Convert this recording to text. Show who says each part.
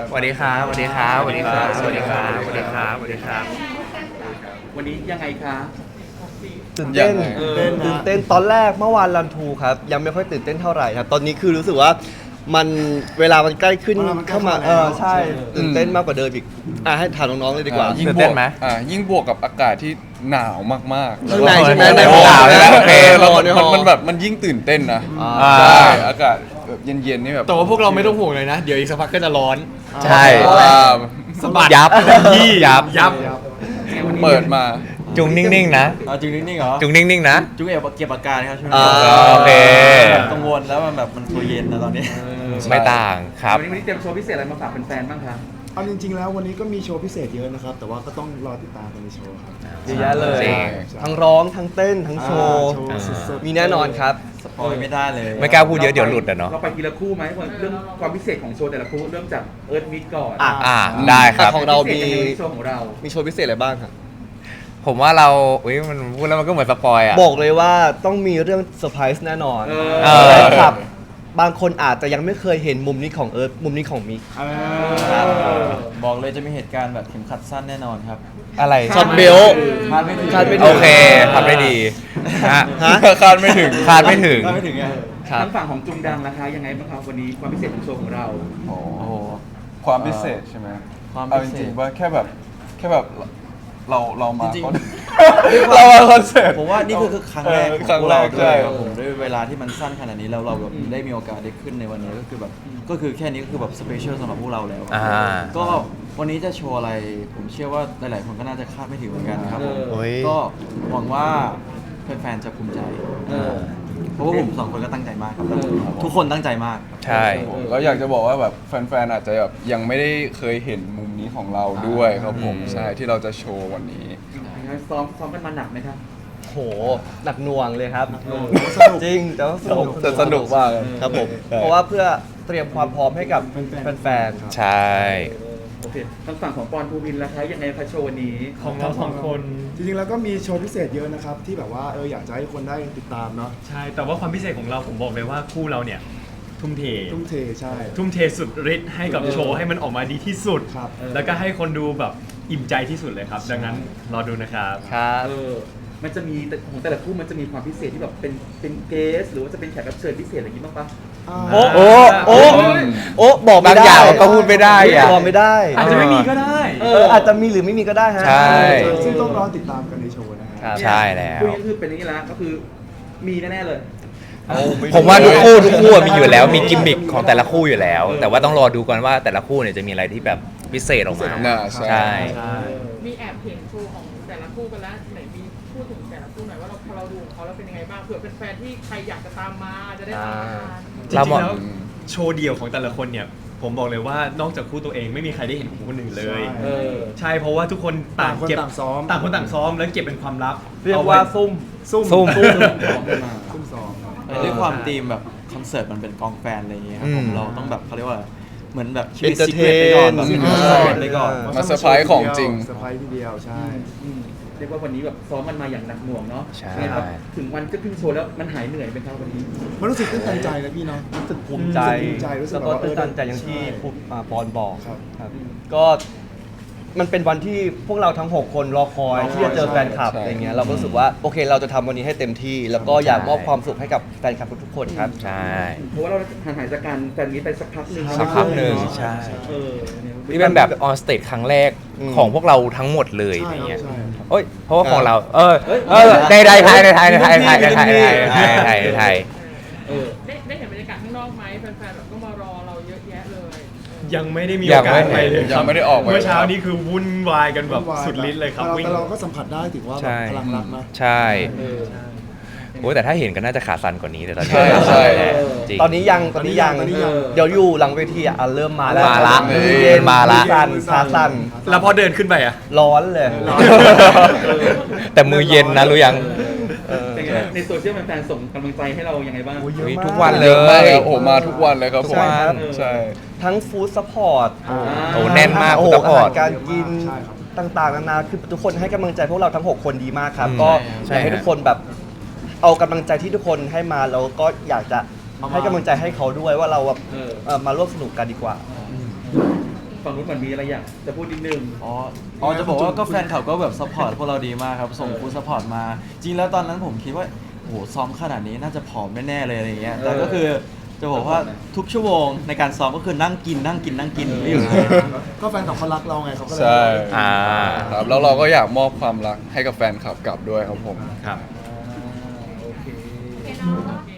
Speaker 1: สวัสดีครับสวัสดีครับสวัสดีครับสวัสดีครับสวัสดีครับสวัสดีครับ
Speaker 2: วันนี้ยังไงคะ
Speaker 3: ตื่นเต้น
Speaker 2: ตื่นเต้น
Speaker 3: ตอนแรกเมื่อวานรันทูครับยังไม่ค่อยตื่นเต้นเท่าไหร่ครับตอนนี้คือรู้สึกว่ามันเวลามันใกล้ขึ้นเข้ามาใช่ตื่นเต้นมากกว่าเดิมอีกให้ถามน้องๆเลยดีกว่า
Speaker 1: ยิ่งตื่นเต้นไหม
Speaker 4: ยิ่งบวกกับอากาศที่หนาวมากๆ
Speaker 3: ข้างในใช่ไหม
Speaker 1: ในห้องหนาวเลยนะโอเค
Speaker 4: แล้ว
Speaker 3: ในห้อง
Speaker 4: มันแบบมันยิ่งตื่นเต้นนะ
Speaker 3: อ่า
Speaker 4: ใช่อากาศแบบเย็นๆนี่แบบ
Speaker 5: แต่ว่าพวกเราไม่ต้องห่วงเลยนะ เดี๋ยวอีกสักพักก็จะร้อน
Speaker 1: ใช่
Speaker 4: ว้าว
Speaker 5: สะบัด
Speaker 1: ยับ
Speaker 5: ยี่
Speaker 1: ยับ
Speaker 5: ยับ
Speaker 4: เปิดมา
Speaker 1: จุงนิ่งๆนะ
Speaker 6: เอาจริงนิ่งๆเหรอ
Speaker 1: จุงนิ่งๆนะ
Speaker 6: จุงเก็บอาการครับช่วง
Speaker 3: อ่า
Speaker 6: นี้
Speaker 1: โอเค
Speaker 6: กังวลแล้วมันแบบมันตัวเย็นนะตอนนี้
Speaker 1: ไม่ต่างครับ
Speaker 2: วันนี้เตรียมโชว์พิเศษอะไรมาฝากแฟนๆบ้างคะ
Speaker 7: เอาจริงๆแล้ววันนี้ก็มีโชว์พิเศษเยอะนะครับ แต่ว่าก็ต้องรอติดตามกันในโชว์ครับ
Speaker 3: เยอะแยะเลย
Speaker 1: จริง
Speaker 3: ทั้งร้องทั้งเต้นทั้งโชว์
Speaker 7: โชว์สุดๆ
Speaker 3: มีแน่นอนครับ
Speaker 6: สปอยไม่ได้เลย
Speaker 1: ไม่กล้าพูดเยอะเดี๋ยวหลุดอ่ะเนาะ
Speaker 2: เราไปทีละคู่ไหมเรื่องความพิเศษของโชว์แต่ละคู่เริ่มจากเอิร์ธมิดก่อน
Speaker 1: ได้ครับ
Speaker 3: ของเรามี
Speaker 2: พิศษยังไงในโชว์ของเรา
Speaker 3: มีโชว์พิเศษอะไรบ้างครับ
Speaker 1: ผมว่าเราอุ้ยมันพูดแล้วมันก็เหมือนสปอยอ่ะ
Speaker 3: บอกเลยว่าต้องมีเรื่องเซอร์ไพรส์แน่นอน
Speaker 1: เออ
Speaker 3: แฟนคลับบางคนอาจจะยังไม่เคยเห็นมุมนี้ของเอิร์ธมุมนี้ของมิก
Speaker 6: ครับบอกเลยจะมีเหตุการณ์แบบเข็มขัดสั้นแน่นอนครับ
Speaker 1: อะไร
Speaker 3: ช็อตเบลต์
Speaker 6: คาดไม่ถึง
Speaker 3: คาดไม่ถึง
Speaker 1: โอเคทำได้ดีฮะ
Speaker 3: ฮะ
Speaker 4: คาดไม่ถึง
Speaker 1: คาดไม่ถึง
Speaker 6: คาดไม่ถึงไง
Speaker 3: ครับ
Speaker 2: ทางฝั่งของจุงดังนะคะยังไงบ้างครับวันนี้ความพิเศษของโชว์ของเรา
Speaker 4: โอ้
Speaker 6: โอ้โห
Speaker 4: ความพิเศษใช่ไหม
Speaker 6: ความ
Speaker 4: เอา
Speaker 6: พิ
Speaker 4: จ
Speaker 6: เศษ
Speaker 4: ริงๆว่าแค่แบบเรามา
Speaker 6: จริงๆ
Speaker 4: คอนเรามาคอนเสิร์ต
Speaker 6: ผมว่านี่คือครั้งแรกของ
Speaker 4: ครั้ง
Speaker 6: พวก
Speaker 4: แร
Speaker 6: เรา
Speaker 4: ก
Speaker 6: ด้
Speaker 4: ใช่
Speaker 6: วยครับผมด้วยเวลาที่มันสั้นขนาดนี้แล้วเราแบบได้มีโอกาสได้ขึ้นในวันนี้ก็คือแบบก็คือแค่นี้ก็คือแบบสเปเชียลสำหรับพวกเราแล้ว
Speaker 1: อ่า
Speaker 6: ก็วันนี้จะโชว์อะไร ผมเชื่อว่าหลายๆคนก็น่าจะคาดไม่ถึงเหมือนกันครับผม
Speaker 1: โอ้ย
Speaker 6: ก็หวังว่าแฟนๆจะภูมิใจ เพราะว่าผมสองคนก็ตั้งใจมากครับทุกคนตั้งใจมาก
Speaker 1: ใช่
Speaker 4: แล้วอยากจะบอกว่าแบบแฟนๆอาจจะแบบยังไม่ได้เคยเห็นมุมนี้ของเราด้วยครับผม
Speaker 1: อืม
Speaker 4: ใช่ที่เราจะโชว์วันนี้
Speaker 2: ซ้อมกันมาหนักไหมครับ
Speaker 3: โหหนักหน่วงเลยครับ
Speaker 7: สนุก
Speaker 3: จริงแต่ว่าสนุก
Speaker 4: แต่สนุกมากเลย
Speaker 3: ครับผมเพราะว่าเพื่อเตรียมความพร้อมให้กับแฟน
Speaker 1: ใช่
Speaker 2: โอเคทางฝั่งของปอนภูมินทร์ล่ะคะยังไงคะโชว์วันนี้
Speaker 5: ของเราสองคน
Speaker 7: จริงๆแล้วก็มีโชว์พิเศษเยอะนะครับ ที่แบบว่าอยากจะให้คนได้ติดตามเนาะ
Speaker 5: ใช่ แต่ว่าความพิเศษของเราผมบอกเลยว่าคู่เราเนี่ย ทุ่มเท
Speaker 7: ทุ่มเทใช่
Speaker 5: ทุ่มเทสุดฤทธิ์ให้กับโชว์ให้มันออกมาดีที่สุด
Speaker 7: ครับ
Speaker 5: แล้วก็ให้คนดูแบบอิ่มใจที่สุดเลยครับ ดังนั้นรอดูนะครับ
Speaker 3: ๆครับ
Speaker 2: มันจะมีของแต่ละคู่มันจะมีความพิเศษที่แบบเป็นเกสหรือว่าจะเป็นแขกรับเชิญพิเศษอะไรอย่างนี้บ้างปะ
Speaker 3: โอ้โอ้โอ้บอกไม่
Speaker 1: บาง
Speaker 3: ได้
Speaker 1: อย่างก็พูดไม่ได้อะ
Speaker 3: บอกไม่ได้
Speaker 5: อาจจะไม่มีก็ได้
Speaker 3: อาจจะมีหรือไม่มีก็ได้ฮะ
Speaker 1: ใช่
Speaker 7: ซึ่งต้องรอติดตามกันในโชว์นะฮะ
Speaker 3: ครับ
Speaker 1: ใช่แล้ว
Speaker 2: คุยก็คือเป็นอย่างนี้แล้วก็คือมีแน่ๆเลย
Speaker 1: ผมว่าทุกคู่มีอยู่แล้วมีกิมมิคของแต่ละคู่อยู่แล้ว แต่ว่าต้องรอดูก่อนว่าแต่ละคู่เนี่ยจะมีอะไรที่แบบพิเศษออกมา
Speaker 4: น่าใช่
Speaker 1: ใช่
Speaker 8: มีแอบเห็นโชว์ของแต่ละคู่กันแล้วไหนมีพูดถึงแต่ละคู่หน่อยว่าเราพอเราดูของเขาแล้วเป็นยังไงบ้างเผื่อเป็นแฟนที่ใครอยากจะตามมาจะได้ตามมา
Speaker 5: จริ
Speaker 1: เรา
Speaker 5: ง
Speaker 1: มอง
Speaker 5: ๆแล้วโชว์เดี่ยวของแต่ละคนเนี่ย ผมบอกเลยว่านอกจากคู่ตัวเองไม่มีใครได้เห็นของคนอื่นเลย
Speaker 7: ใช่
Speaker 5: ใช่เพราะว่าทุกคนต่างเก็บ
Speaker 7: ต่างคนต่างซ้อม
Speaker 5: ต่างคนต่างซ้อมแล้วเก็บเป็นความลับ
Speaker 3: เรียกว่าซุ่ม
Speaker 5: ซุ่ม
Speaker 1: ซุ่ม
Speaker 7: ซุ่มซ้อมครับ
Speaker 6: ด้วยความธีมแบบคอนเสิร์ตมันเป็นกองแฟนอะไรอย่างเงี้ยครับผม
Speaker 1: อืม
Speaker 6: เราต้องแบบเขาเรียกว่าเหมือนแบบชีวิต
Speaker 3: Entertain
Speaker 6: ซีเครตไปก่อนแบบ
Speaker 3: อืม
Speaker 6: ซีเครตไปก่อน
Speaker 4: มาเซอร์ไพรส์ของจริง
Speaker 7: เซอร์ไพรส์ทีเดียวใช่
Speaker 2: เรียกว่าวันนี้แบบซ้อมมันมาอย่างหนักหน่วงเนาะ
Speaker 1: ใช่
Speaker 2: ยังไงครับถึงวันจะขึ้นโชว์แล้วมันหายเหนื่อยไหมครับวันนี้
Speaker 7: มันรู้สึกตื้นตันใจนะพี่เนาะ
Speaker 3: รู้สึกภูมิใจ
Speaker 7: ภูมิใจรู้สึก
Speaker 3: แล้วก็
Speaker 7: แบบว่า
Speaker 3: ตื่นตันใจอย่างที่
Speaker 7: ใช่
Speaker 3: ปอนบอก
Speaker 7: ครับ
Speaker 3: ครับก็มันเป็นวันที่พวกเราทั้ง 6 คนรอคอยที่จะเจอแฟนคลับ
Speaker 4: ใช่
Speaker 3: อะไรเงี้ยเราก็รู้สึกว่าโอเคเราจะทำวันนี้ให้เต็มที่ แล้วก็อยากมอบความสุขให้กับแฟนคลับทุกๆคนครับ
Speaker 1: ใช่
Speaker 2: เพราะว่าเราห่างหายจากการแฟนนี้ไปสักพักหนึ่ง
Speaker 1: สักพักหนึ่งใช่
Speaker 2: เออเนี่ย
Speaker 1: นี่เป็นแบบออนสเตจครั้งแรก
Speaker 3: อืม
Speaker 1: ของพวกเราทั้งหมดเลย
Speaker 7: ใช่
Speaker 1: อะไรเงี้ย
Speaker 7: ใช่
Speaker 1: โอ้ยเพราะว่าของเรา
Speaker 2: เฮ้ย
Speaker 1: ในไทยในไทยในไทยในไทยในไทยในไทยในไทยในไทย
Speaker 2: เออ
Speaker 8: ได้เห็นบรรยากาศข้างนอกไหมแฟนๆแบบก็มารอเราเยอะแยะเลย
Speaker 5: ยังไม่ได้มี
Speaker 1: ยั
Speaker 5: โอง กา
Speaker 1: ไม่
Speaker 5: สไปเลยค
Speaker 4: ยั
Speaker 5: รับ
Speaker 4: งไม่ได้ออกไป
Speaker 5: เมื่อเช้านี้คือวุ่นวายกันแบบสุดฤทธิ์เลยครับวิ่ง
Speaker 7: แต่เราก็สัมผัสได้ถึงว่าแบบ
Speaker 1: ใช่
Speaker 7: พลังรักนะ
Speaker 1: ใช่ โอ้ยแต่ถ้าเห็นก็น่าจะขาสั่นกว่านี้แต่ตอนนี้
Speaker 4: ใช่
Speaker 1: จริง
Speaker 3: ตอนนี้ยังเดี๋ยวอยู่หลังเวทีเริ่มมาแล้ว
Speaker 1: มาละ
Speaker 3: มือเย็น
Speaker 1: มาละ
Speaker 3: มือสั่นขาสั่น
Speaker 5: แล้วพอเดินขึ้นไปอ่ะ
Speaker 3: ร้อนเลย
Speaker 1: แต่มือเย็นนะรู้ยัง
Speaker 2: เป็นไงในโซเชียลแฟนๆส่งกำลังใจให้เรายังไงบ้าง
Speaker 3: เยอะมาก
Speaker 1: ทุกวันเล
Speaker 4: เยอะมาก
Speaker 1: ย
Speaker 4: เลยโอ้โหมาทุกวันเลยครับผม
Speaker 3: ใช่ครับ
Speaker 4: ใช่
Speaker 3: ทั้งฟู้ดซัพพอร์ต
Speaker 1: โอ้แน่นมาก
Speaker 3: โอ้
Speaker 1: คุณ
Speaker 3: โห
Speaker 1: ซัพพอร์ต
Speaker 3: อาหารการกิน
Speaker 7: ใช่ครับ
Speaker 3: ต่างๆนานาคือทุกคนให้กำลังใจพวกเราทั้ง 6 คนดีมากครับ
Speaker 1: อืม
Speaker 3: ก็
Speaker 1: ใช่
Speaker 3: อยากให้
Speaker 1: ฮะ
Speaker 3: ทุกคนแบบเอากำลังใจที่ทุกคนให้มาแล้วก็อยากจะให้กำลังใจให้เขาด้วยว่าเราแบบมาร่วมสนุกกันดีกว่า
Speaker 2: ฝั่งนู้นเหมือนมีอะไรอยากจะพูดนิดนึง
Speaker 6: อ๋อจะบอกว่าก็แฟนคลับก็แบบซัพพอร์ตพวกเราดีมากครับ ส่งฟูดซัพพอร์ตมา จริงแล้วตอนนั้นผมคิดว่าโอ้โหซ้อมขนาดนี้น่าจะผอมแน่ๆเลยอะไรอย่างเงี้ยแต่ก็คือจะบอกว่าทุกชั่วโมงในการซ้อมก็คือนั่งกินไม่อยู่เลย
Speaker 7: ก็แฟนของเขารักเราไงเขาก็เลย
Speaker 4: ใช่
Speaker 1: อ่า
Speaker 4: ครับแล้วเราก็อยากมอบความรักให้กับแฟนคลับกลับด้วยครับผม
Speaker 5: ครับ
Speaker 2: โอเค
Speaker 8: โอเคเนาะ